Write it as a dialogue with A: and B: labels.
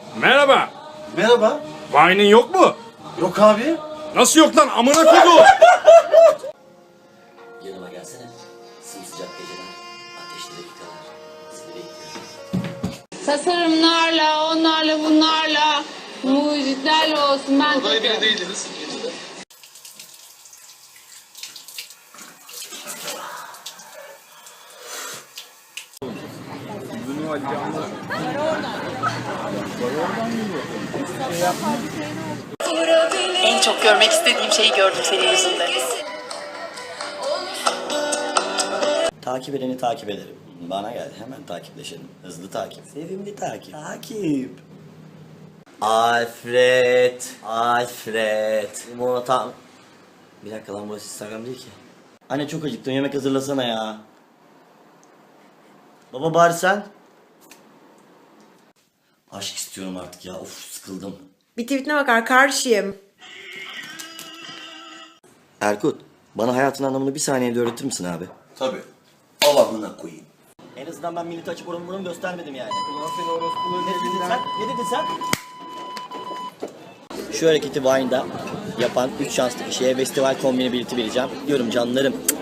A: Merhaba.
B: Merhaba.
A: Vine'in yok mu?
B: Yok abi.
A: Nasıl yok lan? Amına koydu.
C: Yanıma gelsene. Sımsıcak geceler, ateşli dakikalar. Seni bekliyorum.
D: Tasarımlarla, onlarla, bunlarla, mucitlerle olsun ben
E: Olay
D: takarım.
E: biri değildiniz.
F: En çok görmek istediğim şeyi gördüm senin yüzünden.
C: Takip edeni takip ederim. Bana gel, hemen takipleşelim. Hızlı takip. Sevimli takip. Takip. Alfred. Alfred. Limonata. Bir dakika lan, burası Instagram değil ki. Anne çok acıktım, yemek hazırlasana ya. Baba bari sen. Aşk istiyorum artık ya, of sıkıldım.
G: Bir tweetine bakar karşıyım.
C: Erkut, bana hayatın anlamını bir saniyede öğretir misin abi?
B: Tabii. Allah'ına koyayım.
C: En azından ben milleti açıp oranı göstermedim yani. Ne dedin sen? Ne dedin sen? Şu hareketi Vine'da yapan 3 şanslı kişiye festival kombini bileti vereceğim. Diyorum canlarım.